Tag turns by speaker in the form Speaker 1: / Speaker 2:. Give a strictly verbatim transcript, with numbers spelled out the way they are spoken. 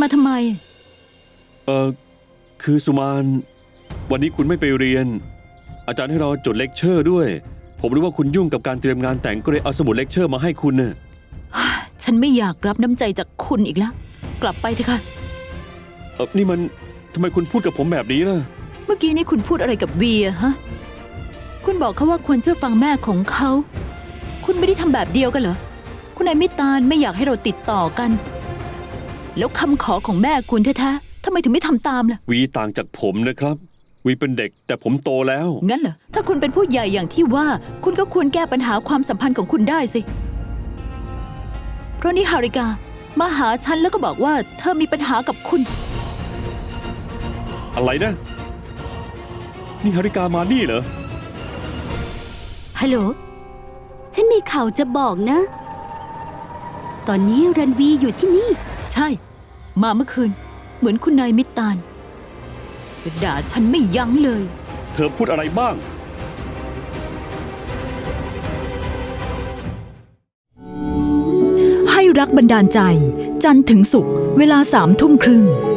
Speaker 1: มาทำไม
Speaker 2: เออคือสุมานวันนี้คุณไม่ไปเรียนอาจารย์ให้เราจดเลคเชอร์ด้วยผมรู้ว่าคุณยุ่งกับการเตรียมงานแต่งก็เลยเอาสมุดเลคเชอร์มาให้คุณน่ะ
Speaker 1: ฉันไม่อยากรับน้ำใจจากคุณอีกแล้วกลับไปเถอะค่ะ
Speaker 2: เออนี่มันทำไมคุณพูดกับผมแบบนี้ล่ะ
Speaker 1: เมื่อกี้นี้คุณพูดอะไรกับเวียฮะคุณบอกเขาว่าควรเชื่อฟังแม่ของเขาคุณไม่ได้ทำแบบเดียวกันเหรอคุณนายมิตานไม่อยากให้เราติดต่อกันแล้วคำขอของแม่คุณแท้ๆทำไมถึงไม่ทำตามล่ะ
Speaker 2: วีต่างจากผมนะครับวีเป็นเด็กแต่ผมโตแล้ว
Speaker 1: งั้นเหรอถ้าคุณเป็นผู้ใหญ่อย่างที่ว่าคุณก็ควรแก้ปัญหาความสัมพันธ์ของคุณได้สิเพราะนี่ฮาริกามาหาฉันแล้วก็บอกว่าเธอมีปัญหากับคุณ
Speaker 2: อะไรนะนี่ฮาริกามานี่เหรอ
Speaker 3: ฮัลโหลฉันมีข่าวจะบอกนะตอนนี้รันวีอยู่ที่นี่
Speaker 1: ใช่มาเมื่อคืนเหมือนคุณนายมิตานด่าฉันไม่ยั้งเลย
Speaker 2: เธอพูดอะไรบ้าง
Speaker 1: ให้รักบันดาลใจจันทร์ถึงศุกร์เวลาสามทุ่มครึ่ง